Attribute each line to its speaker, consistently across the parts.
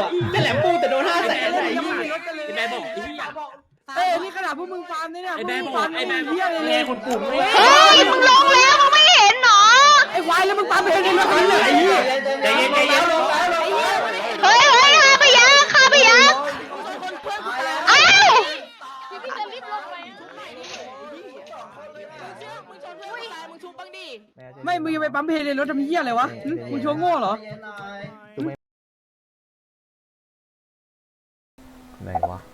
Speaker 1: แต่แหลมปูแต่โดน500,000ไหน
Speaker 2: ไอ้แม่บอกไอ้เหี้ย
Speaker 3: เอ้ยนี่ขนาดพวกมึงฟาร์มเนี่ย
Speaker 2: ไอ้แม่บอกไอ้แม่
Speaker 3: เหี้ยเลย
Speaker 2: คนปุ่มไม่
Speaker 4: เฮ้ยมึงลงแล้วมึงไม่เห็นหรอ
Speaker 3: ไอ้ควายแล้วมึงฟาร์มเพลงในรถคันเลยไอ้เหี้ย
Speaker 1: ใจเย็นใจเย็น
Speaker 4: เฮ้ยเฮ้ยข้าไปยักข้าไปยักอ้าว
Speaker 5: พี่จะรีบลงไป
Speaker 3: ไม่มึงจะไปปั๊มเพลงในรถทำเหี้ยอะไรวะมึงโชว์โง่เหรอ
Speaker 6: ไหนวะ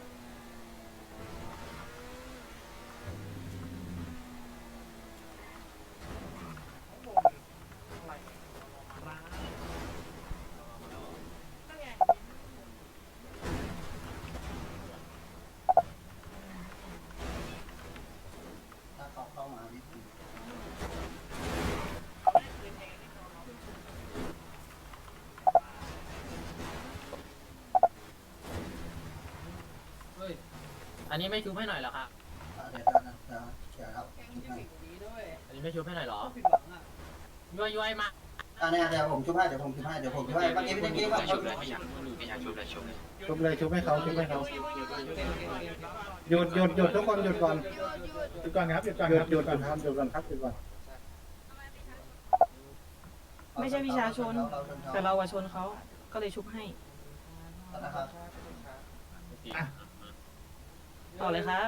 Speaker 2: อันนี้ไม่ชุบให้หน่อยเหรอครับอันนี้ไม่ชุบให้หน่อยเหรอย้อยมา
Speaker 7: เดี๋ยวผมชุบให้เมื่อกี้พี่ตะกี้แบบชุบเลยชุบให้เขาหยุดทุกคนหยุดก่อนครับหยุดก่อน
Speaker 3: ไม่ใช่วิชาชนแต่เราอะชนเขาก็เลยชุบให้ต่อเลยครับ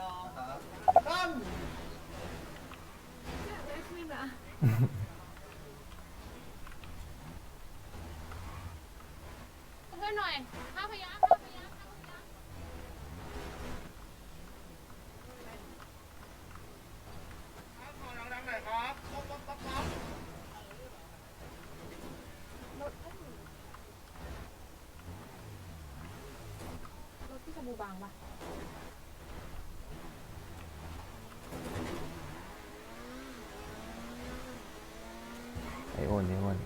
Speaker 5: เพื่อนหน่อยข้าพยายามรถที่สบู่บางปะ
Speaker 6: ไอโอนไอโอน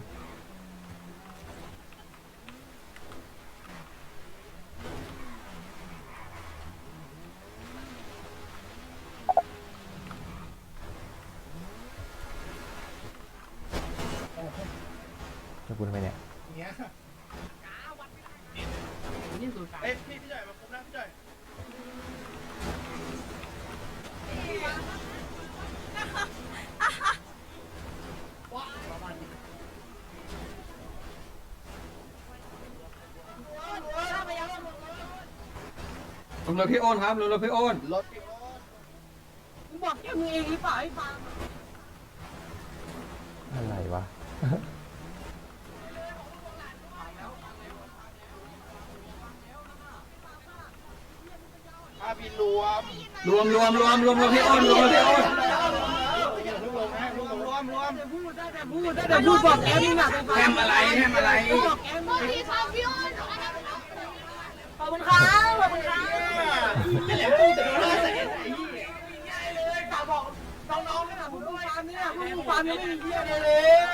Speaker 6: จะพูดทำไมเนี่ย
Speaker 7: พี่ใหญ่มาคุมนะพี่ใหญ่
Speaker 1: ลงรถพี่โอนครับลงรถพี่โอน
Speaker 3: มึงบอกแค่มึงเองหรือเปล่าไอ้ฟาร์ม
Speaker 6: อะไรวะ
Speaker 1: รวมพี่โอนรวมพี่โอน
Speaker 3: แต่พูดบอกแกมึงอะ
Speaker 1: แฮมอะไร
Speaker 3: บอกแกมึง
Speaker 5: พี่ครับพี่อ้น
Speaker 3: ขอบคุณครับขอบคุณครับ
Speaker 1: แต่แหลมปูแต่โดน500,000ไหน
Speaker 3: น้องๆขนาดพวกมึงฟาร์มเนี่ยพวกมึงฟาร์มยังไม่มีเหี้ยเลย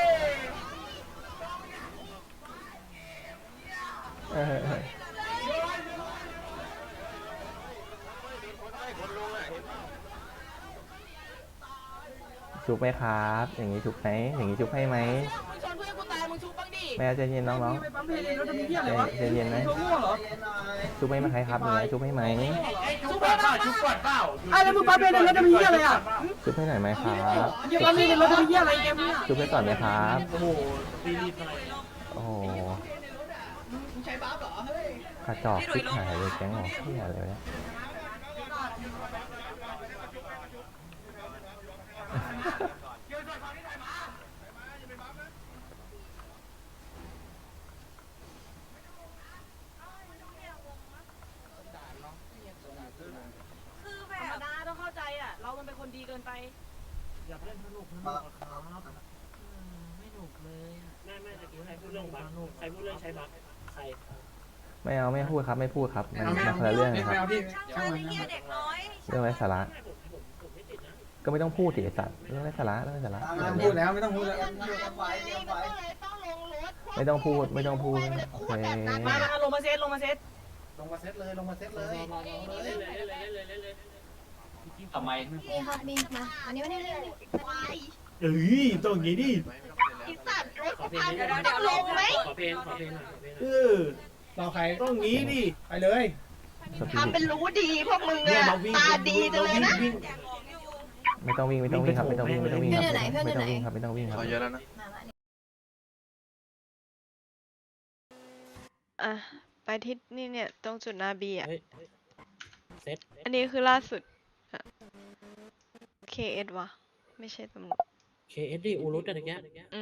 Speaker 6: ชุบไหมครับ อย่างนี้ชุบไหมอย่างนี้ชุบให้ไหม
Speaker 3: มึงชนเพื่อนกูตายมึงชุบบ้างดิ
Speaker 6: แม่ใจเย็นน้อง
Speaker 3: ไปปั๊มเพลงในรถทำเหี้ยอะไรวะ
Speaker 6: ใจเย็นไหม
Speaker 3: โชว์โง่เหรอ
Speaker 6: ๆชุบให้ไหมครับอย่างนี้ชุบให้ไหม
Speaker 3: ชุบก่อนเปล่าไอ้แล้วมึงปั๊มเพลงในรถทำเหี้ยอะไรอ่ะ
Speaker 6: ชุบให้หน่อยไหมครับ
Speaker 3: อย่าปั๊มเพลงในรถทำเหี้ยอะไรแกมึงอ่ะ
Speaker 6: ชุบให้ก่อนไหมครับ
Speaker 2: โอ้โหตีรีบอะไร
Speaker 6: โอ้โห
Speaker 1: ใช้บัฟเหรอเฮ้ย
Speaker 6: กระจอกชิบหายเลยแก๊งหรอที่อะไรวะเนี่ย
Speaker 3: คือแบบธรรมดาต้องเข้าใจอ่ะเรามันเป็นคนดีเกินไป
Speaker 2: อยากเล่นสนุกครับไม่หนุกเลยไม่ตะกี้ใครพูดเรื่องบักใครพูดเรื่องใช้บักใคร
Speaker 6: ไม่เอาไม่พูดครับไม่พูดครับมันคนละเรื่องนะครับ เรื่องไร้สาระก็ไม่ต้องพูดดิไอ้สัตว์เรื่องไร้สาระเรื่องไร้สาระ
Speaker 7: พูดแล้วไม่ต้องพูดแล้ว
Speaker 6: ไม่ต้องพูดโอเค
Speaker 3: มาลงมาเซต
Speaker 7: ลงมาเซตเลย
Speaker 1: ทำไม
Speaker 5: นี่ครับนี่มาอันนี้ไม่ได้เรื่อง
Speaker 2: เอ้ยต้องอย่างนี้ดิ
Speaker 5: อีสัตว์รถพังต้องลงไหม
Speaker 2: ขอเพลงหน่อย
Speaker 3: ไ
Speaker 7: เราใคร
Speaker 2: ต้องงี้ดิ
Speaker 7: ไปเลย
Speaker 4: ทำเป็นรู้ดีพวกมึงอะตาดีจังเลยนะ
Speaker 6: ไม่ต้องวิ่งครับไม่ต้องวิ่งครับไม่ต้องวิ่งครับไม่ต้องวิ่งครับ
Speaker 1: เยอะแล้วนะ
Speaker 4: อ่ะไปที่นี่เนี่ยตรงจุดนาบีอ่ะ
Speaker 2: เซ็ต
Speaker 4: อันนี้คือล่าสุดอะ KS วะไม่ใช่ตำรวจ
Speaker 2: KS ดิอูรุตอะไรเงี้ย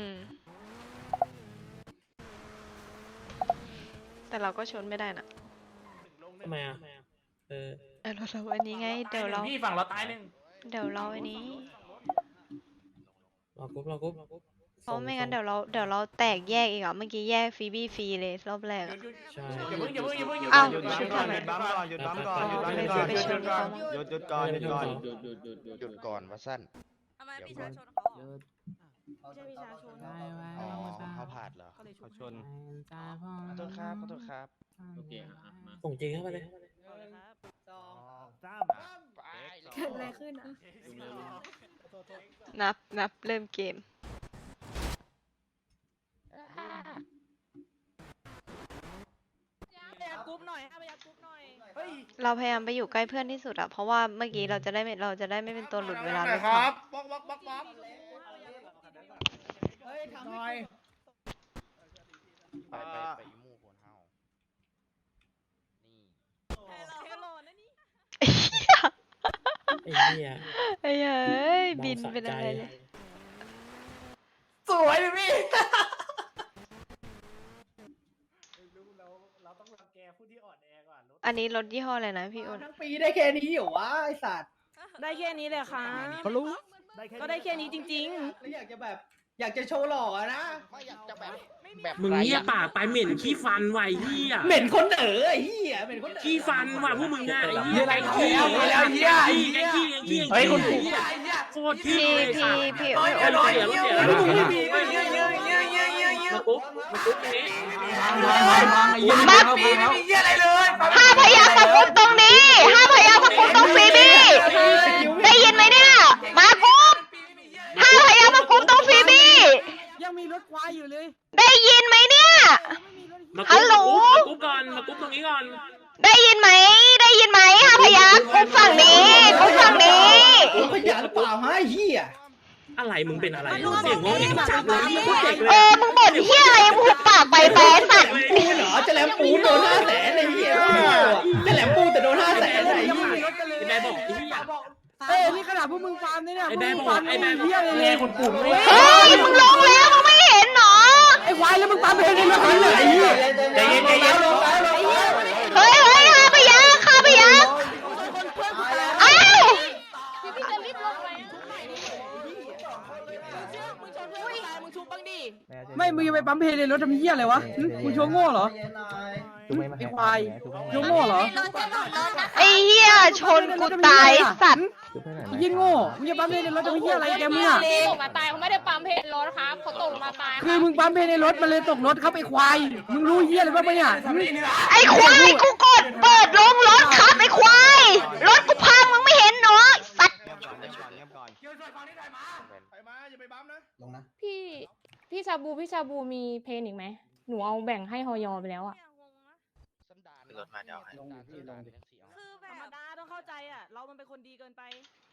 Speaker 4: แต่เราก็ชนไม่ได้นะ
Speaker 2: ทำไมอ่ะเออ
Speaker 4: เราอันนี้ไงเดี๋ยวเรา
Speaker 1: พี่ฝั่งเราตายหนึ่ง
Speaker 4: เดี๋ยวเราอันนี้
Speaker 2: รอกรุ๊ป
Speaker 4: เพราะไม่งั้นเดี๋ยวเราแตกแยกอีกอ่ะเมื่อกี้แยกฟรีบี้ฟรีเลยรอบแรกอะ
Speaker 2: ใช่
Speaker 1: อย่าเพิ่ง
Speaker 4: อ้าว
Speaker 8: หยุดก่อนหยุดบัมก่อนหยุดบัมก่อนหยุดบัมก่อนหยุดก่อนหยุดก่อนหยุดก่อนว่าสั้น
Speaker 5: ทำไมพี่ชายชน
Speaker 3: ไม่ใช่ประชาชน
Speaker 8: อ๋อเขาผ่านเหรอ
Speaker 3: ก็เลยชุบ
Speaker 8: ชนขอโทษครับขอโทษครับ
Speaker 1: โอเคมา
Speaker 2: ส่งจริงเข้าไปเลย
Speaker 5: เกิดอะไรขึ้นอ่ะ
Speaker 4: นับเริ่มเกม
Speaker 3: กรุ๊ปหน่อยพยายามกรุ๊ปหน่อย
Speaker 4: เราพยายามไปอยู่ใกล้เพื่อนที่สุดอะเพราะว่าเมื่อกี้เราจะได้ไม่เป็นตัวหลุดเวลาเรา
Speaker 7: ครับ
Speaker 8: บล็อก
Speaker 7: เฮ้ยทำหน่อย
Speaker 8: ไปอีมู่คนเฮานี่
Speaker 2: ไอ้เหี้ย
Speaker 4: เอ้ยบิน
Speaker 2: สะ
Speaker 4: เป็น
Speaker 2: ใจ
Speaker 4: อะไรเลย
Speaker 1: สวยดิพี่
Speaker 7: เราต้องรังแกผู้ที่อ่อนแอกว่า
Speaker 4: อันนี้รถยี่ห้ออะไรนะพี่อ้น
Speaker 7: ทั้งปีได้แค่นี้เหรอวะไอสัตว์
Speaker 3: ได้แค่นี้เลยค่ะ
Speaker 7: เขารู้
Speaker 3: ก็ได้แค่นี้จริง
Speaker 7: แล้วอยากจะแบบ อยากจะโชว์หล่ออะนะ
Speaker 8: ไม่อยากจะแบบ
Speaker 2: มึงเหี้ยปากไปเหม็นขี้ฟันไว้เหี้ย
Speaker 7: เหม็นคนไอ้เหี้ยเหม็นคน
Speaker 2: ขี้ฟันว่ะพวกมึงอ่ะไอ้เหี้ยไอ้ขี้
Speaker 1: เฮ้ยคุณ
Speaker 2: โคตรขี้เลย
Speaker 4: พี่
Speaker 2: โอ้ย
Speaker 4: อ้น
Speaker 2: เสียแล้ว
Speaker 1: มาปุ๊บนี้
Speaker 4: ห้าพยางค์มากุ๊บตรงนี้ห้าพยางค์มากุ๊บตรงฟรีบี้ได้ยินไหมเนี่ยมากุ๊บห้าพยางค์มากุ๊บตรงฟรีบี้
Speaker 3: ๆ ยังมีรถควายอยู่เลย
Speaker 4: ได้ยินไหมเนี่ย
Speaker 2: มากุ๊บก่อนมากุ๊บตรงนี้ก่อน
Speaker 4: ได้ยินไหมห้าพยางค์กุ๊บฝั่งนี้กุ๊บฝั่งนี้
Speaker 7: ขยันหรือเปล่าฮะไอ้เหี้ย
Speaker 2: อะไรมึงเป็นอะไรเสียงงงเองจับเลยพูดเด็กเลย
Speaker 4: มึงบ่นเฮียอะไรมึงหุบปากไปแฟนสัตว์
Speaker 7: ปูนเหรอจะแหลมปูนโดน500,000ไอ้เหี้ยจะแหลมปูนแต่โดน500,000ไอ้เหี้ย
Speaker 2: ไอ้แบบอกไอ้เหี้ย
Speaker 3: นี่ขนาดพวกมึงฟาร์มเนี่ย
Speaker 2: ไอ้แบบอกไอ้แบบอก
Speaker 3: เฮียเลย
Speaker 2: แม่คนกลุ่มเลย
Speaker 4: เฮ้ยมึงลงแล้วมึงไม่เห็นเหรอ
Speaker 3: ไอ้ควายแล้วมึงฟาร์มเพลงในรถคันเลยไอ้เหี้ย
Speaker 7: ใจเย็นลงแล้ว
Speaker 4: เฮ้ยห้าพยางค์อ้าว
Speaker 5: พี่จะรีบลงไหม
Speaker 3: ไม่มึงยังไปปั๊มเพลงในรถทำเหี้ยอะไรวะมึงโชว์โง่เหรอ ไอ้ควายโชว์โง่เหรอ
Speaker 4: ไอ้เหี้ยชนกูตายสัตว์
Speaker 3: ยิ่งโง่มึงจะปั๊มเพลงในรถทำเหี้ยอะไรแกมึงอ่ะ
Speaker 5: ตกมาตายเขาไม่ได้ปั๊มเพลรถครับเขาตกมาตาย
Speaker 3: คือมึงปั๊มเพลงในรถมันเลยตกรถครับไอ้ควายมึงรู้เหี้ยอะไรบ้างปะเนี่ย
Speaker 4: ไอ้ควายกูกดเปิดลงรถครับไอ้ควายรถกูพังมึงไม่เห็นเหรอสัตว์
Speaker 8: เงียบก่อน
Speaker 7: ไปมาอย่าไปบัมนะลงนะ
Speaker 5: พี่ชาบูมีเพลงอีกไหมหนูเอาแบ่งให้ฮอยอไปแล้วอ่ะ
Speaker 8: สันดานรถมาเดี๋ยวให้
Speaker 7: ลงที่ลง
Speaker 3: ธรรมดาต้องเข้าใจอ่ะเรามันเป็นคนดีเกินไป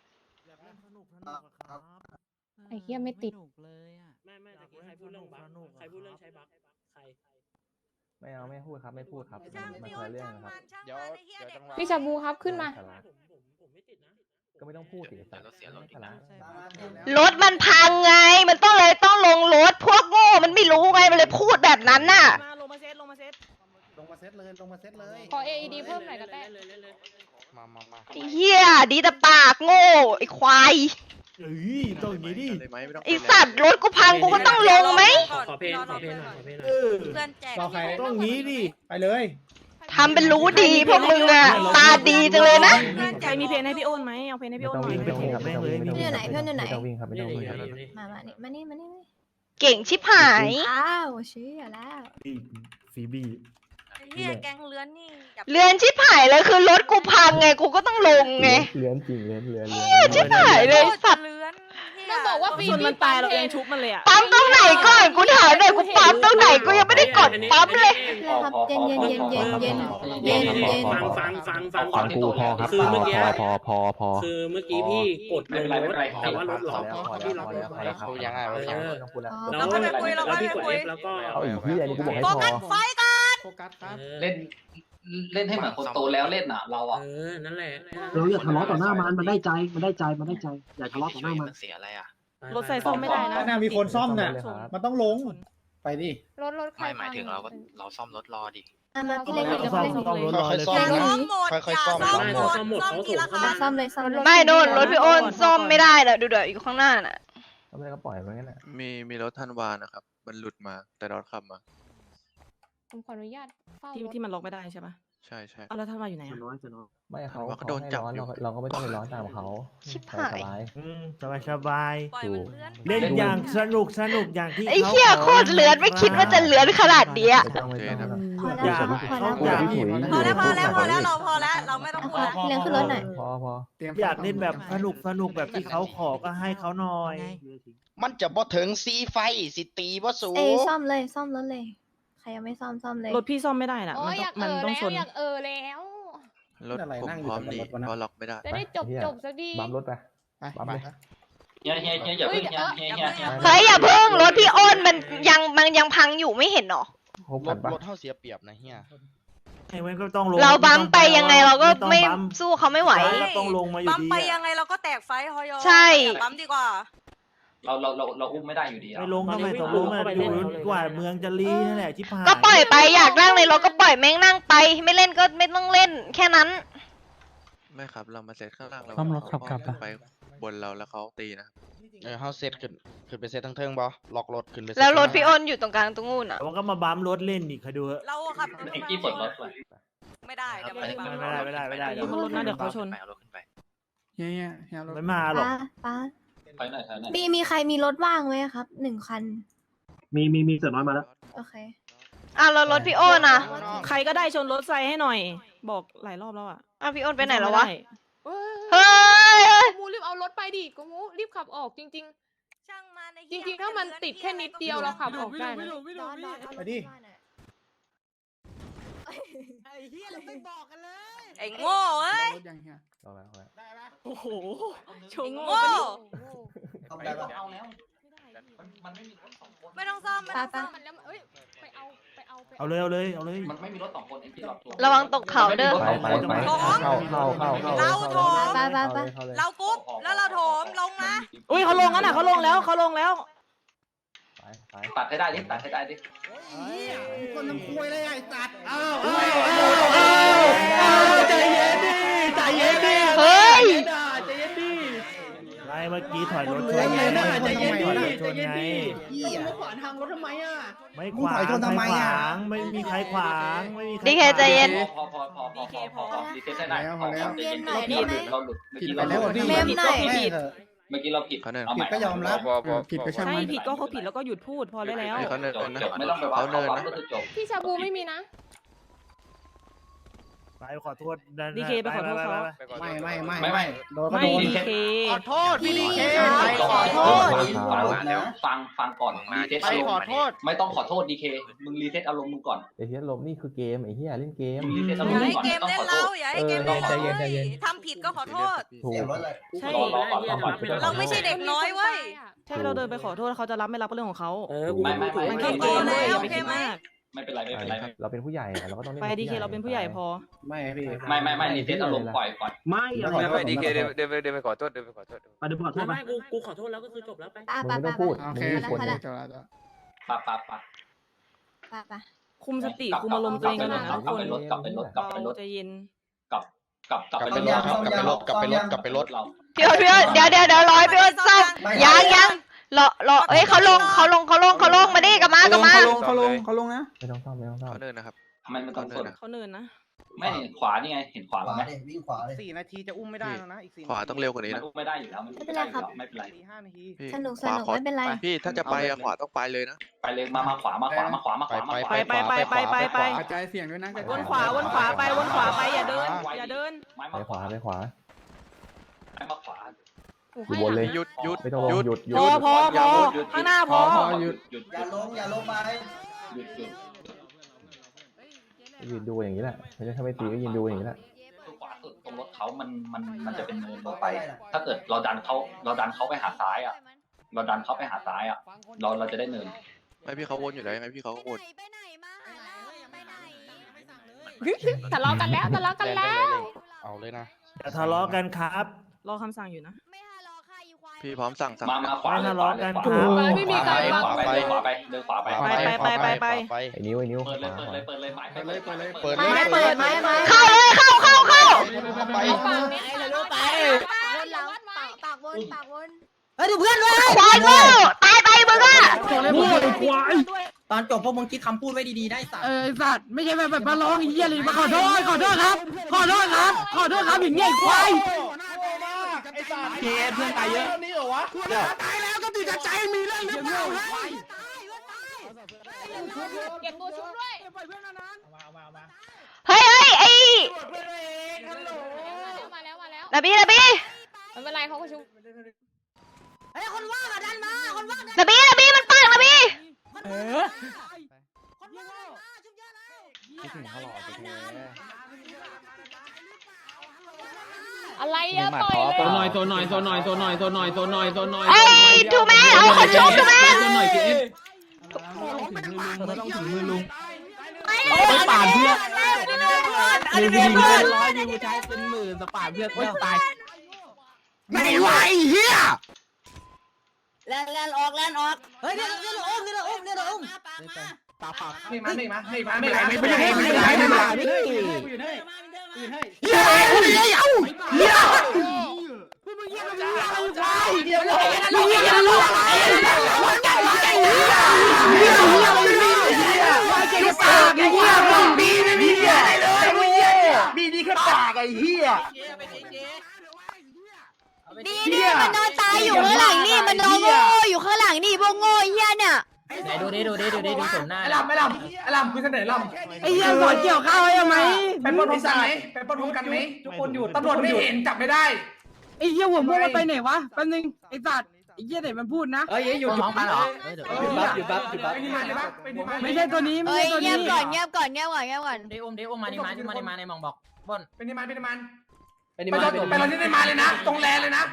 Speaker 5: ไอ้เหี้ยไม่ติด
Speaker 2: ไม่แต่ใครพูดเรื่องบักใครพูดเรื่องใช้บักใคร
Speaker 6: ไม่เอาไม่พูดครับไม่พูดครับมาคนละเรื่องนะครับ
Speaker 8: เดี๋ยวจังหวะ
Speaker 5: พี่ชาบูครับขึ้นมา
Speaker 2: ผมไม่ติดนะ
Speaker 6: ก็ไม่ต้องพูดสิสัตว์สาระ
Speaker 4: รถมันพังไงมันต้องลงรถพวกโง่มันไม่รู้ไงมันเลยพูดแบบนั้นน่ะ
Speaker 3: มาลงมาเซต
Speaker 7: ลงมาเซตเลย
Speaker 5: ขอ AED เพิ่มหน่อยก็ได้
Speaker 8: มา
Speaker 4: ไอ้เหี้ยดีแต่ปากโง่ไอ้ควายไอ้สัตว์รถกูพังกูก็ต้องลงไหม
Speaker 2: ขอเพลงหน่อย
Speaker 5: เพื่อนแจก
Speaker 7: เราใครต้องงี้ดิไปเลย
Speaker 4: ทำเป็นรู้ดีพวกมึงอะตาดีจังเลยนะ
Speaker 3: ใครมีเพลงให้พี่โอนไหมเอาเพลงให้
Speaker 6: ไม่
Speaker 3: พี่โอน
Speaker 6: ต้อง
Speaker 3: หน่
Speaker 6: วิ่
Speaker 3: อง ย
Speaker 6: ไม่ต้องวิ่งครับไม่ต้องวิ่งไม่ต้องวิ่ง
Speaker 5: เพื่อนอยู่ไหน
Speaker 6: ไม่ต้องวิ่งครับไม่ต้องวิ่งครับ
Speaker 5: มานี่
Speaker 4: เก่งชิบหาย
Speaker 5: อ้าวเชื่อแล้ว
Speaker 7: ฟีบี้
Speaker 5: เฮียแกงเลื้อนนี่
Speaker 4: เรือนชิบหายเลยคือรถกูพังไงกูก็ต้องลงไง
Speaker 6: เลื้อนจริงเลื้อน
Speaker 4: ชิบหายเลยสัตว์
Speaker 5: เลื้อนมันบอกว่าฟรี
Speaker 3: ชนมันตายเราเองชุบมันเลยอ่ะ
Speaker 4: ปั๊มตรงไหนก่อนกูถามหน่อยกูปั๊มตรงไหนกูยังไม่ได้กดปั๊มเลย
Speaker 5: ครับเย็นเย็นเย็นเย็นเย็นเย็นเย็น
Speaker 2: ฟัง
Speaker 6: ฟังกูพอครับ
Speaker 2: คือเมื่อกี้
Speaker 6: พอ
Speaker 2: คือเมื่อกี้พี่กดลงรถแต่ว่ารถล็อกพี่ล็อกรถไว้
Speaker 6: พูดยังไงไม่ต้องพูดแล้ว
Speaker 2: เราค่อยไปคุยเราค่อยไปคุยแล้วก็
Speaker 6: เอาอีกที่อันนี้กูบอกให้
Speaker 9: โฟ
Speaker 6: พอ
Speaker 9: กัสไฟกัน
Speaker 7: โฟกัสครับ
Speaker 1: เล่นเล่นให้เหมือนคนโตแล้วเล่นอ่ะเราอ่ะ
Speaker 2: นั่นแหละ
Speaker 3: เราอย่าทะเลาะต่อหน้ามันได้ใจมันได้ใจอย่าทะเลาะต่อหน้ามัน
Speaker 1: เสียอะไรอ่ะ
Speaker 5: รถใส่ซ่อมไม่ได้นะ
Speaker 7: ข้างหน้ามีคนซ่อมน่ะมันต้องลงไปดิ
Speaker 5: รถใคร
Speaker 1: ไม่หมายถึงเราซ่อมรถรอดิ
Speaker 5: มาพี่เล็กเดี๋ยวพี่เล็ก
Speaker 8: ค่อยๆซ่อม
Speaker 9: ซ่อมหมดอย่าซ่อมหมดซ่อมทีละคัน
Speaker 5: ซ่อมเลยซ่อม
Speaker 4: ไม่โน่นรถพี่โอนซ่อมไม่ได้เดี๋ยวอยู่ข้างหน้าน่ะ
Speaker 6: ทำไมก็ปล่อยมันงั้นน่ะ
Speaker 10: มีรถทันวานะครับ มันหลุดมาแต่รถขับมา
Speaker 5: ผมขออนุญาตเฝ้า
Speaker 3: ที่มันล็อกไม่ได้ใช่ปะ
Speaker 10: ใช่ใช่
Speaker 3: เอาแล้วท่านมาอยู่ไหน
Speaker 6: ไม่เขาให้ร้อนเราก็ไม่ต้องไปร้อนตามเขา
Speaker 4: ชิบหาย
Speaker 7: สบาย
Speaker 9: ปล่อยมันเพื่อน
Speaker 7: เล่นอย่างสนุกอย่างที่
Speaker 4: ไอ้เหี้ยโคตรเลือนไม่คิดว่าจะเลือนขนาดเนี้ย
Speaker 6: ไม่ต้อง
Speaker 5: พอแล้วพอแล้ว
Speaker 9: พอแล้วเราพอแล้วเราไม่ต้องพูดแล้ว
Speaker 5: พี่เล็กขึ้นรถหน่อย
Speaker 6: พอ
Speaker 7: อยากเล่นแบบสนุกแบบที่เขาขอก็ให้เขาหน่อย
Speaker 8: มันจะบ่ถึงซีไฟสิตีบ่สู
Speaker 5: เอ้ซ่อมเลยซ่อมรถเลยใครยังไม่ซ่อมเลย
Speaker 3: รถพี่ซ่อมไม่ได้น่ะ
Speaker 5: โอ้ยอยาก
Speaker 3: มันต้องชน
Speaker 5: อยากแล้ว
Speaker 10: รถผมพร้อมหนีเพราะล็อกไม่ได้
Speaker 5: จะได้จบสักที
Speaker 6: บัมรถไปบัมเลย
Speaker 1: เฮียอย่าเพิ่งเฮีย
Speaker 4: เฮ้ยอย่าเพิ่งรถพี่โอนมันยังพังอยู่ไม่เห็นหรอ
Speaker 6: หกพันปะ
Speaker 8: รถเท่าเสียเปรียบนะเฮีย
Speaker 7: ไอ้เว้นก็ต้องลง
Speaker 4: เราบัมไปยังไงเราก็ไม่สู้เขาไม่ไหว
Speaker 7: ก็ต้องลงมาอยู่
Speaker 9: ปั๊ม
Speaker 7: ดี
Speaker 9: ไปยังไงเราก็แตกไฟฮอยอ
Speaker 4: ใช่
Speaker 9: ปั๊มดีกว่า
Speaker 1: เราอุ้มไม่ได้อยู่ดี
Speaker 7: ไม่ลงก็ไม่ต้องลงอยู่กว่าเมืองจะรีนั่นแหละชิบหาย
Speaker 4: ก็ปล่อยไปอยากนั่งในรถก็ปล่อยแม่งนั่งไป ไม่เล่นก็ไม่ต้องเล่นแค่นั้น
Speaker 10: ไม่ครับ เรามาเซตข้างล่างเรา
Speaker 6: ซ่อมรถขับกลับ
Speaker 10: ไปบนเราแล้วเขาตีนะ
Speaker 8: เฮาเซตขึ้นไปเซตทั้งเทิงบ่ล็อกรถขึ้นไป
Speaker 4: แล้วรถพี่โอนอยู่ตรงกลางตรงนู้นอ่ะ
Speaker 7: มันก็มาบัมรถเล่นอีกใครดู
Speaker 9: เราขับ
Speaker 1: เอ็กกี้เปิดรถไป
Speaker 9: ไม่ได้เดี๋ยวมันปั๊ม
Speaker 7: ไม่ได้
Speaker 3: อยู่บนรถนะเดี๋ยวเขาชน
Speaker 1: เอารถขึ้นไป
Speaker 7: ไม่มาหรอก
Speaker 5: ป้า
Speaker 1: ไปหน่อย
Speaker 5: มีใครมีรถว่างไหมครับ1 คัน
Speaker 3: มีเสือน้อยมาแล้ว
Speaker 5: โอเค
Speaker 4: อ้าวแล้วรถพี่โอนอ่ะ
Speaker 3: ใครก็ได้ชนรถไซให้หน่อย บอกหลายรอบแล้วอ่ะ
Speaker 4: อ้าวพี่โอนไปไหนแล้ววะ
Speaker 5: เฮ้ย
Speaker 4: เฮ้ย
Speaker 5: กูมูรีบเอารถไปดิกูมูรีบขับออกจริง
Speaker 9: ช่างมัน
Speaker 5: ๆ จริงๆถ้ามันติดแค่นิดเดียวเราขับออกได้นะ
Speaker 7: ไปดิ
Speaker 9: ไอ้โง่เอ้ย
Speaker 6: รอแล้ว
Speaker 3: โอ้โหโชว์โง่
Speaker 9: โง่
Speaker 1: เอาแล้วมันไม่มีรถสองคน
Speaker 9: ไม่ต้องซ่อมไม่ต้องซ่อม
Speaker 5: มันแล้วเอ้ยไปเอา
Speaker 7: เอาเลย
Speaker 1: มันไม่มีรถสองคนเอ็กกี้หลอกตัว
Speaker 4: ระวังตกเขาเด้อ
Speaker 6: ไปเข้า
Speaker 9: เรากรุ๊ปแล้วเราโถมลงนะ
Speaker 3: อุ้ยเขาลงกันอ่ะเขาลงแล้ว
Speaker 6: ไป
Speaker 1: ตัดให้ได้ดิตัดให้ได้ดิ
Speaker 7: คนทำคุยเลยไอ้สัตว์อ้าว
Speaker 3: ใจเย็นดิ
Speaker 4: เฮ้ย
Speaker 7: ไรเมื่อกี้ถอยรถชนไงถอยรถชนไง
Speaker 3: มึงขวางทางรถทำไมอ่ะ
Speaker 7: ไม่ขวางใครขวางไม่มีใครขวางไม่มีใคร
Speaker 4: ดีเคใจเย็น
Speaker 1: พอดีเซ็ตได้เราหลุด
Speaker 5: เมมหน่อย
Speaker 1: เมื่อกี้เราผิด
Speaker 10: เขาเนิน
Speaker 1: เอาใหม่
Speaker 10: ก็ยอมรับ
Speaker 8: ผิดก็ช่าง
Speaker 3: ใช่
Speaker 8: มัน
Speaker 3: ผิดก็เขาผิดแล้วก็หยุดพูดพอได้แล้ว
Speaker 10: เขาเนิน
Speaker 1: จบไม่ต้องไปว่าเขาก็คือจบ
Speaker 5: พี่ชาบูไม่มีนะ
Speaker 7: ไปขอโทษ
Speaker 3: ดีเคไปขอโทษเขา
Speaker 8: ไม่โดนก็
Speaker 3: ไม่
Speaker 8: โดน
Speaker 3: ดีเค
Speaker 8: ขอโทษพี่ดีเค
Speaker 1: ขอโทษฟังก่อนรีเซ็ต
Speaker 8: ไป
Speaker 1: อารม
Speaker 8: ขอ
Speaker 1: ณ์
Speaker 8: โทษ
Speaker 1: ไม่ต้องขอโทษดีเคมึงรีเซ็ตอารมณ์มึงก่อน
Speaker 6: ไอ้เหี้ยลมนี่คือเกมไอ้เหี้ยเล่นเกม
Speaker 1: รีเซ็ตอา
Speaker 9: อ
Speaker 1: รมณ์
Speaker 9: ย่า
Speaker 1: มึง
Speaker 9: ให้
Speaker 1: ก่อน
Speaker 9: เกม
Speaker 1: ต้อง
Speaker 9: เล่
Speaker 1: ข
Speaker 9: น
Speaker 1: อโท
Speaker 9: เรา
Speaker 1: ษ
Speaker 9: อย่าให้เกมเล่นเราทำผิดก็ขอโทษ
Speaker 6: ถูก
Speaker 3: ใช่
Speaker 9: เราไม่ใช่เด็กน้อยเว้ย
Speaker 3: ใช่เราเดินไปขอโทษเขาจะรับไม่รับก็เรื่องของเขา
Speaker 1: ไม่
Speaker 3: มันแค่เกมเลยอย่าไปคิดมาก
Speaker 1: ไม่เป็นไรไม่เป็นไร
Speaker 6: เราเป็นผู้ใหญ่เราก็ต้อง
Speaker 3: ไปดีเคเราเป็นผู้ใหญ่พอ
Speaker 8: ไม่พี่
Speaker 1: ไม่รีเซ็ตอารมณ์ปล่อยก่อน
Speaker 3: ไม่
Speaker 10: ไม่ดีเคเดินไปขอโทษ
Speaker 3: ไปขอโทษไป
Speaker 2: ไม่กูขอโทษแล้วก็คือจบแล้วไป
Speaker 6: มึงไม่ต้องพูดมึงมีคน
Speaker 1: ปะ
Speaker 3: คุมสติคุมอารมณ์ตัวเองกันนะทุกคน
Speaker 1: กลับไปรถ
Speaker 3: เราใจเย็น
Speaker 1: กลับไปรถ
Speaker 8: กลับไปรถ
Speaker 1: เรา
Speaker 4: พี่โอนเดี๋ยวร้อยพี่โอนซ่อมยังรอเอ้ยเขาลงมาดิกลับมา
Speaker 8: เขาลงนะ
Speaker 6: ไม่ต้องซ่อม
Speaker 10: เขาเนินนะครับ
Speaker 1: ทำไมมันต้องสน
Speaker 3: เขาเนินนะ
Speaker 1: ไม่เห็นขวานี่ไงเห็นขวาเราไหม
Speaker 8: 4 นาทีจะอุ้มไม่ได้แล้วนะอีก4
Speaker 10: ขวาต้องเร็วกว่านี้
Speaker 1: มัน
Speaker 10: นะ
Speaker 1: อุ้มไม่ได้อยู่แล้วมันไม่เป็นไรไม่เป็นไร
Speaker 8: 5 นาที
Speaker 10: พี่
Speaker 5: สนุก
Speaker 10: ขวาขอ
Speaker 5: ไม่เป็นไร
Speaker 10: พี่ถ้าจะไปอะขวาต้องไปเลยนะ
Speaker 1: ไปเลยมาขวา
Speaker 3: ไป
Speaker 8: กระจายเสียงด้วยนะ
Speaker 3: วนขวาไปอย่าเดิน
Speaker 6: ไปขวา
Speaker 1: ไม่มาขวา
Speaker 3: โ
Speaker 6: อยู่บนเลย
Speaker 10: หยุดหยุด
Speaker 6: ไม่ต้องลง
Speaker 10: หยุด
Speaker 6: หยุดหยุ
Speaker 5: พอ
Speaker 6: ด
Speaker 5: พอพอข้างหน้าพอ
Speaker 1: หยุดอย่าลงไปหยุด
Speaker 6: ยืนดูอย่างนี้แหละไม่ใช่ถ้าไม่ตีก็ยืนดูอย่างนี้แหละ
Speaker 1: ขวาสุดตรงรถเขามันจะเป็นเนินลงไป ถ้าเกิดเราดันเขาไปหาซ้ายอ่ะ เราดันเขาไปหาซ้ายอ่ะ เราจะได้เนิน
Speaker 10: ไม่พี่เขาวนอยู่แล้วยังไงพี่เขาก็วน
Speaker 9: ไปไหนมาหาเราไปไหน
Speaker 5: ทะเลาะกันแล้วทะเลาะกันแล้ว
Speaker 8: เอาเลยนะ
Speaker 7: อย่าทะเลาะกันครับ
Speaker 5: รอคำสั่งอยู่นะ
Speaker 9: ไม่หาเราค่ะอีควาย
Speaker 10: พี่พร้อมสั่ง
Speaker 1: มาขวาเลย
Speaker 7: ไม่ทะเลาะกัน
Speaker 1: ขวา
Speaker 5: ไม่มีการ
Speaker 1: ขวาไปเดินขวาไปเดินขวาไป
Speaker 8: ไป
Speaker 6: ไอ้นิ้วไอ้นิ้ว
Speaker 1: เปิดเลยหมาย
Speaker 8: เปิดเลยเปิดเลย
Speaker 1: เปิด
Speaker 5: ไม่ไม่เปิดไม่ไม่
Speaker 4: เข้าเลยเข้า
Speaker 8: ไป
Speaker 5: ฝั่งนี้ไอ้ลูกไป
Speaker 9: วนหลังปากวน
Speaker 3: เฮ้ยดูเพื่อนด้วย
Speaker 4: ควายโง่ตายไปมึงอะ
Speaker 3: พูดควาย
Speaker 7: ตอนจบพวกมึงคิดคำพูดไว้ดีๆได้สัตว์
Speaker 3: สัตว์ไม่ใช่แบบมาร้องไอ้เหี้ยเลยมาขอโทษครับขอโทษครับอย่างเงี้ยควาย
Speaker 8: ไอ้สัตว์
Speaker 7: เพื่อนตายเยอะ
Speaker 8: นี่เหรอวะ
Speaker 3: ตายแล้วก็ติดใจมีเรื่องหรือเปล่า
Speaker 5: เก็บตัวชุบด้วย
Speaker 4: เฮ้ยไอ้
Speaker 5: มาแล้ว
Speaker 4: นาบี
Speaker 5: ไม่เป็นไรเขาก็ชุบ
Speaker 9: เฮ้ยคนว่างอ่ะดันมาคนว่าง
Speaker 4: นาบีมันปังนาบี
Speaker 8: คิดถึงเขาหล่อไปแท้
Speaker 5: อะไรอะปล่อยเลย
Speaker 3: โซนหน่อยโซนหน่อยโซนหน่อยโซนหน่อยโซนหน่อยโซนหน่อยโซนหน่อย
Speaker 4: ไอ้ทูแมนเอาคนชุบทูแมน
Speaker 3: โซนหน่อยกิน
Speaker 7: ต้องถึงมือลุง
Speaker 3: ไปป่านเพื่อน
Speaker 7: อันนี้เป็นเพื่อนร้อยยูใช้เป็นหมื่นสปาเพื่อนตาย
Speaker 3: ไม่ไหวเฮีย
Speaker 9: แลนออกเฮ้ยเดี๋ยวอุ้มปากมา
Speaker 7: ไม่มา
Speaker 3: ไม่ไหวเฮียพูดมึงเฮียอะไรควายเฮียมึงเฮียลูกปากไอ้เฮียมึงมีไม่มีเฮียอะไรเลยมึงเฮียมีดีแค่ปากไอ้เฮีย
Speaker 9: นี่มันนอนตายอยู่ข้างหลังนี่มันนอนโง่อยู่ข้างหลังนี่พวกโง่เฮียเนี่ย
Speaker 7: ไหนดูสมหน้า
Speaker 3: ไอ้ลำคือเสนอลำไอ้เฮียสอนเกี่ยวข้าวให้ไหมไปปล้นพร้อมกันไหมไปปล้นพร้อมกันไหม
Speaker 7: ทุกคนหยุด
Speaker 3: ตำรวจไม่เห็นจับไม่ได้ไอ้เฮียหัวม่วงมันไปไหนวะแป๊บนึงไอ้สัตว์ไอ้เฮียไหนมันพูดนะ
Speaker 7: เอ้ยหยุดมองกันเหรอหยุดบัฟ
Speaker 3: ไม่ใช่ตัวนี้ไม่
Speaker 9: เฮ้ย
Speaker 3: ใช่ตัว
Speaker 9: เงี
Speaker 3: นี้
Speaker 9: ยบก่อนเงียบก่อน
Speaker 7: เดอุ้มมาในมองบอกบน
Speaker 3: เป็นนิมาน
Speaker 7: ไป
Speaker 3: ไปเราที่นิมานเลยนะตรงแลเลยนะ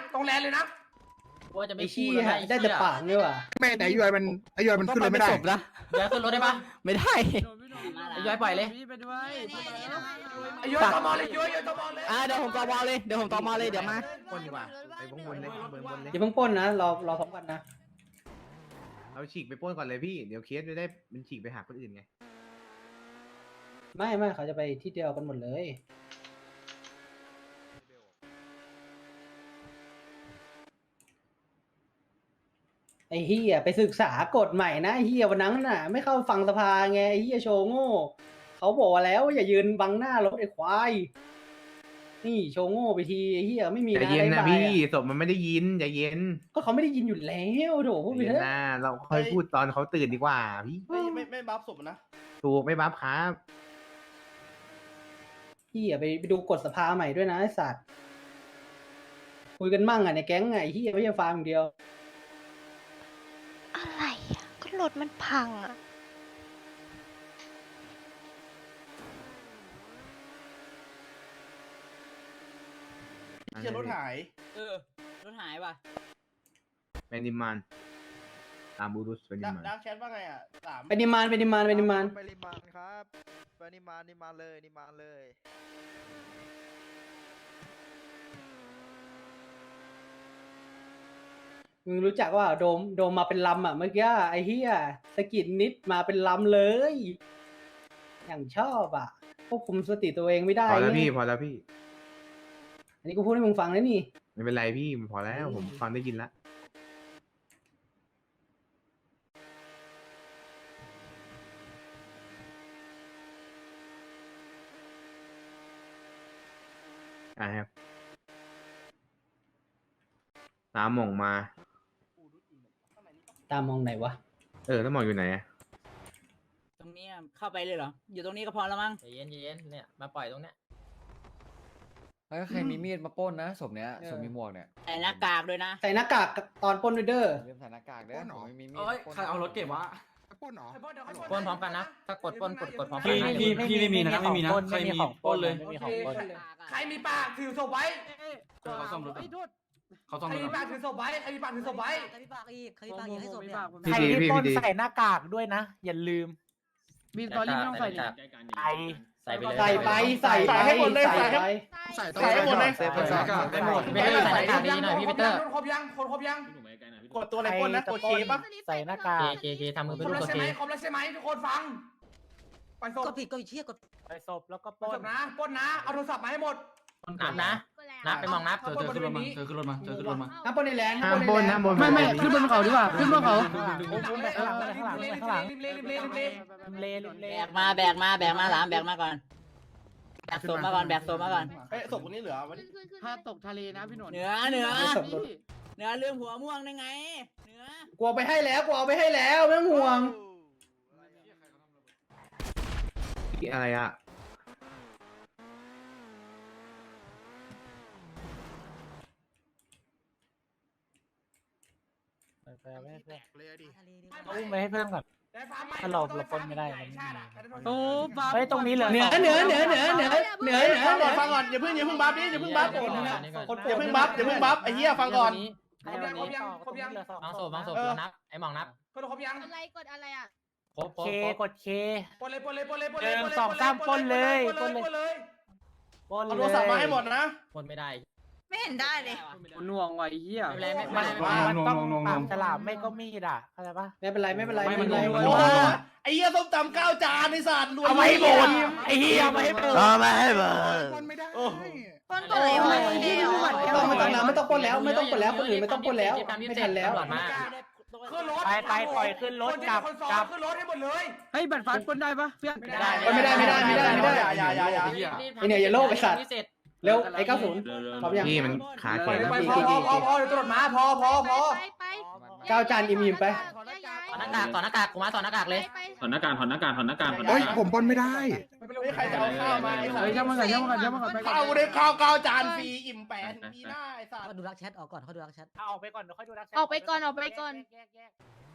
Speaker 7: ว่าจะไม่ชี้ได้แต่ปากเนี่ยว่ะ
Speaker 8: แม่แต่ไอ้ยอยมันขึ้นเลยไม่ได้
Speaker 7: ย้ายขึ้นรถได้ปะไม่ได้ย้ายปล่อยเลย
Speaker 3: ไอ้ย้อยตอมอเลยย้อยตอมอเลย
Speaker 7: เดี๋ยวผมตอมอเลยเดี๋ยวมา
Speaker 8: ปนดีกว่าไปพงบนเลยเบิร์นบนเลย
Speaker 7: อย่าเพิ่งปล้นนะรอพร้อมกันนะ
Speaker 8: เราฉีกไปปล้นก่อนเลยพี่เดี๋ยวเคสจะได้มันฉีกไปหาคนอื่นไง
Speaker 7: ไม่เขาจะไปที่เดียวกันหมดเลยไอ้เฮียไปศึกษากฎใหม่นะไอ้เฮียวันนั้นน่ะไม่เข้าฟังสภาไงไอ้เฮียโชว์โง่เขาบอกแล้วอย่ายืนบังหน้ารถไอ้ควายนี่โชว์โง่ไปทีไอ้เฮียไม่มี
Speaker 8: ใจเย็นนะพี่ศพมันไม่ได้ยินใจเย็น
Speaker 7: ก็เขาไม่ได้ยินอยู่แล้วโถพูดไป
Speaker 8: เย็น
Speaker 7: เถอะ
Speaker 8: นะเราค่อยพูดตอนเขาตื่นดีกว่าพี่
Speaker 11: ไม่บัฟศพนะ
Speaker 8: ถูกไม่บัฟครับ
Speaker 7: เฮียไปดูกฎสภาใหม่ด้วยนะไอ้สัตว์คุยกันมั่งอ่ะในแก๊งไงเฮียไม่ใช่ฟาร์มอย่างเดียว
Speaker 4: อะไรอะก็รถมันพังอะ
Speaker 11: เชี่ยรถหาย
Speaker 7: รถหายป่ะ
Speaker 8: เปนิมานตามบูรุสเปนิมาน
Speaker 11: ดักแชทว่าไงอ่ะ3
Speaker 7: ไปนิมาน
Speaker 8: ไปนิมานครับไปนิมานเลย
Speaker 7: มึงรู้จักว่าโดมมาเป็นลำอ่ะเมื่อกี้ไอ้เฮียสกิดนิดมาเป็นลำเลย อย่างชอบอ่ะควบคุมสติตัวเองไม่ได้
Speaker 8: พอแล้ว
Speaker 7: ไง
Speaker 8: พี่พอแล้วพี่
Speaker 7: อันนี้กูพูดให้มึงฟังแล้วนี่
Speaker 8: ไม่เป็นไรพี่พอแล้วผมฟังได้ยินแล้วครับตามหม่องมา
Speaker 7: ตามมองไหนวะ
Speaker 8: แล้วหม่องอยู่ไหนอะ
Speaker 2: ตรงนี้เข้าไปเลยเหรออยู่ตรงนี้ก็พอแล้วมั้งเย็นเนี่ยมาปล่อยตรงเนี้ย
Speaker 12: แล้วใครมีมีดมาปล้นนะศพเนี้ยศพมีหมวกเนี่ย
Speaker 9: ใส่หน้ากากด้วยนะ
Speaker 7: ใส่หน้ากากตอนปล้นด้วยเด้อ
Speaker 12: เริ่มใส่หน้ากากเด้อผมไม่มีมีด
Speaker 8: ใครเอารถเก็บวะ
Speaker 11: ปล้นเหรอ
Speaker 2: ปล้นพร้อมกันนะถ้ากดปล้นกดพร้อมกัน
Speaker 8: พี่ไม่มีนะไม่มีนะใครมีปล้นเลย
Speaker 2: ใครมีปากถือศพไว้
Speaker 8: เขาซ่อมรถเขาซ่อม
Speaker 2: ใคร
Speaker 8: รถ
Speaker 2: มีปากถือศพไว้ใครมีปากถือศพไว้
Speaker 9: ใครมีปากอีกใครมีปากอีกให้ศพเนี่ย
Speaker 3: ใครที่ปล้นใส่หน้ากากด้วยนะ อย่าลืม
Speaker 5: มีตอรี่ไม่ต้องใส่ดิ
Speaker 2: ใส่ไปเลย
Speaker 7: ใส่ไปใส่ไป
Speaker 11: ให้หมดเลย
Speaker 7: ใส่ไป
Speaker 11: ใส่ให้หมดเลย
Speaker 8: ใส่หมด
Speaker 2: ไม่ได้ใส่หน้ากากดีหน่อยพี่ปีเตอร์ครบยังครบยัง
Speaker 11: กดตัวอะไรปล้นนะกดเคปะ
Speaker 3: ใส่หน้ากาก
Speaker 2: เคทำมือเป็นรูปตัวเคครบแล้วใช่ไหมทุกคนฟังไปศพ
Speaker 9: กดผิดกดเชี่ยกด
Speaker 3: ใส่ศพแล้วก็ป
Speaker 2: ปล้
Speaker 3: ล้น
Speaker 2: นนะปล้นนะเอาโทรศัพท์มาให้หมด
Speaker 5: นับนะ
Speaker 2: นับไปมองนับ
Speaker 8: เธอขึ้นรถมาเธอขึ้นรถมาเธอขึ้นรถมา
Speaker 7: ห้ามปล้นในแลนด์ห้ามปล้นในแลนด์
Speaker 3: ไม่ขึ้นบนเขาดีกว่าขึ้นบนเขา
Speaker 2: ข้างหลังข้างหลังเล
Speaker 9: แบกมาหลามแบกมาก่อนแบกศพมาก่อน
Speaker 11: เอ้ยศพคนนี้เหลือวะ
Speaker 3: ถ้าตกทะเลนะพี่หนน
Speaker 9: เหนือเรื่องหัวม่วงได้ไงเหนือก
Speaker 7: ลัวไปให้แล้วกลัวเอาไปให้แล้วไม่ต้องห่วง
Speaker 8: อะไรอ่ะ
Speaker 3: อุ้มไปให้เพื่อนก่อน ถ้าเราปล้นไม่ได้มันไม่มีโอ้
Speaker 5: เฮ้ยตรงนี้เหลือ
Speaker 7: เหนือ
Speaker 11: ฟังก่อนอย่าเพิ่งบัฟดิอย่าเพิ่งบัฟอย่าเพิ่งบัฟไอ้เหี้ยฟังก่อน
Speaker 2: ครบยัง
Speaker 3: บางศพนับไอ้หมองนับ
Speaker 2: ครบยัง
Speaker 5: อะไรกดอะไรอ่ะ
Speaker 3: เคกดเค
Speaker 2: ปล้นเลยปล้นเลยปล้นเลย
Speaker 3: เอาโทรศัพท์มาให้หมดนะ
Speaker 2: ปล้นไม่ได้
Speaker 9: ไม่เห็นได้เลย
Speaker 3: หน่วงว่ะไอ้เหี้ย
Speaker 2: มัน
Speaker 3: ต้องปากฉลามไม่ก็มีดอ่ะเข้าใจปะ
Speaker 7: ไม่เป็นไรไม่เป็นไร
Speaker 11: โอ้ไอ้เหี้ยส้มตำ9 จานไอ้สัตว์รวย
Speaker 3: เอาไว้หมดไอ้เหี้ยไม่ให้หมด
Speaker 8: ไม่ให้เบอร์
Speaker 11: ไม่ได้
Speaker 9: ปล้นก่อนเลย
Speaker 7: ไม่ต้องปล้นแล้วคนอื่นไม่ต้องปล้นแล้วไม่ทันแล้ว
Speaker 2: ขึ้นรถ
Speaker 3: ไปปล่อยขึ้นรถกลับ
Speaker 2: ขึ้นรถให้หมดเลย
Speaker 3: เฮ้ยบัตรฟันปล้นได้ปะเพื่อน
Speaker 7: ไม่ได้อย่าไอเนี่ยอย่าโลกไอสัตว์เร็วไอ้90พร้อมยัง
Speaker 8: พี่มันขาแข็ง
Speaker 2: พอเดี๋ยวตำรวจมาพอ
Speaker 5: ไป
Speaker 7: 9 จานอิ่มๆไป
Speaker 2: ต่อหน้ากากกูมาต่อหน้ากากเลย
Speaker 8: ถอนหน้ากาก
Speaker 11: โอ้ยผมปล้นไม่ได้ไม่ใครจะเอาข้าวมาไอ้สัต
Speaker 3: เฮ้ย
Speaker 11: ว์
Speaker 3: ช่างมันก่อนไปก่อน
Speaker 11: ข้าวได้ข้าว9 จานฟรีอิ่มแปดปีหน้าไอ้สัตว์
Speaker 9: เขาดูรักแชทออกก่อนเขาดูรักแชท
Speaker 3: ออกไปก่อนเดี๋ยวค่อยดูรัก
Speaker 5: ออกไปก่อน
Speaker 3: แยก